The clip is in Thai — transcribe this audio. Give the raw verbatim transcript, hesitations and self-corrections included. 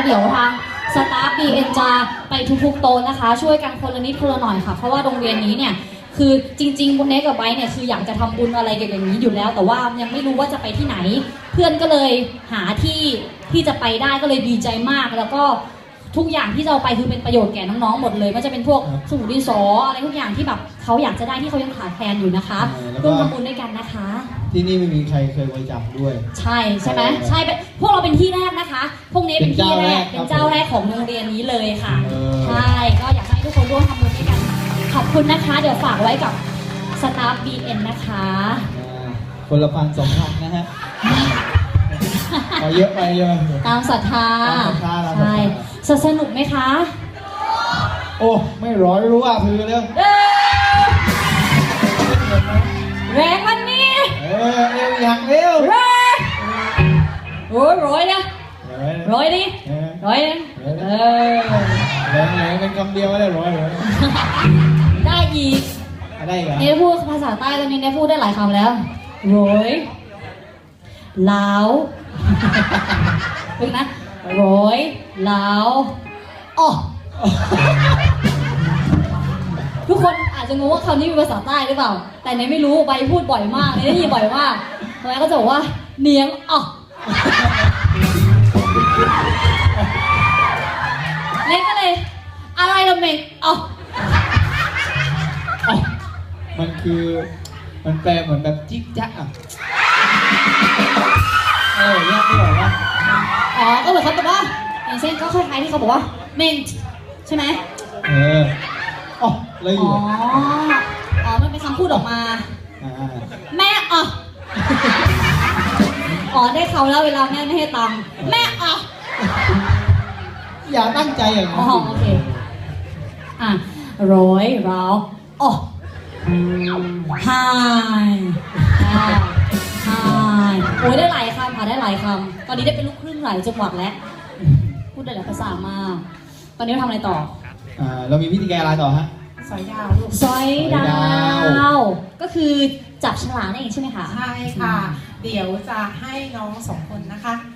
เดี๋ยวทางสตาฟ บี เอ็น จะไปทุกๆโต๊ะนะคะช่วยกันคนละนิดคนละหน่อยค่ะเพราะว่าโรงเรียนนี้เนี่ยคือจริงๆบุญเนกกับไบเนี่ยคืออยากจะทำบุญอะไรกันอย่างนี้อยู่แล้วแต่ว่ายังไม่รู้ว่าจะไปที่ไหนเพื่อนก็เลยหาที่ที่จะไปได้ก็เลยดีใจมากแล้วก็ทุกอย่างที่จะเอาไปคือเป็นประโยชน์แก่น้องๆหมดเลยมันจะเป็นพวกสมุดดินสออะไรทุกอย่างที่แบบเขาอยากจะได้ที่เขายังขาดแคลนอยู่นะคะร่วมทำบุญด้วยกันนะคะที่นี่ไม่มีใครเคยบริจาคด้วยใช่ใช่ไหมใช่พวกเราเป็นที่แรกนะคะพวกนี้เป็นที่แรกเป็นเจ้าแรกของโรงเรียนนี้เลยค่ะใช่ก็อยากให้ทุกคนร่วมทำบุญด้วยกันขอบคุณนะคะเดี๋ยวฝากไว้กับสตาฟ บี เอ็น นะคะคนละพันสองพันนะฮะพอเยอะไปเยอะตามศรัทธาใช่สนุกไหมคะโอ้ไม่ร้อยรู้ว่าคือเรื่องแรงวันนี้เออเร็วอย่างเร็วแรงโอ้ยร้อยนะร้อยดิร้อยนะเออแรงแรงเป็นคำเดียวไม่ได้ร้อยเลยได้อีกได้เหรอเนี่ยพูดภาษาใต้ตอนนี้เนี่ยพูดได้หลายคำแล้วร้อยลาวเป็นนะร้อยลาวอ๋อทุกคนอาจจะงงว่าคำนี้เป็นภาษาใต้หรือเปล่าแต่เนยไม่รู้ใบพูดบ่อยมากเนยได้ยินบ่อยมากใบก็จะบอกว่าเนียงอ๋อเนยก็เลยอะไรละเมงอ๋อมันคือมันแปลเหมือนแบบจิ๊กจ๊ะอ่ะเออเนี่ยไม่บอกว่าอ๋อก็เหมือนเขาบอกว่าอย่างเช่นก็คล้ายๆที่เขาบอกว่าเมงใช่ไหมเอออ๋ออะไรอยู่อ๋ออ๋อมันเป็นคำพูดออกมาแม่อ๋ออ๋อได้เขาแล้วเวลาแม่ไม่ให้ตังค์แม่อ๋ออย่าตั้งใจอย่างนั้นอ๋อโอเคอ่ะร้อยเราอ๋อไฮไฮโอ้ยได้หลายคำค่ะได้หลายคำตอนนี้ได้เป็นลูกครึ่งหลายจังหวัดแล้วพูดได้หลายภาษามากตอนนี้เราทำอะไรต่ออ่าเรามีพิธีการอะไรต่อฮะสอยดาวลูกสอยดาวก็คือจับฉลากนั่นเองใช่ไหมคะใช่ค่ะเดี๋ยวจะให้น้องสองคนนะคะ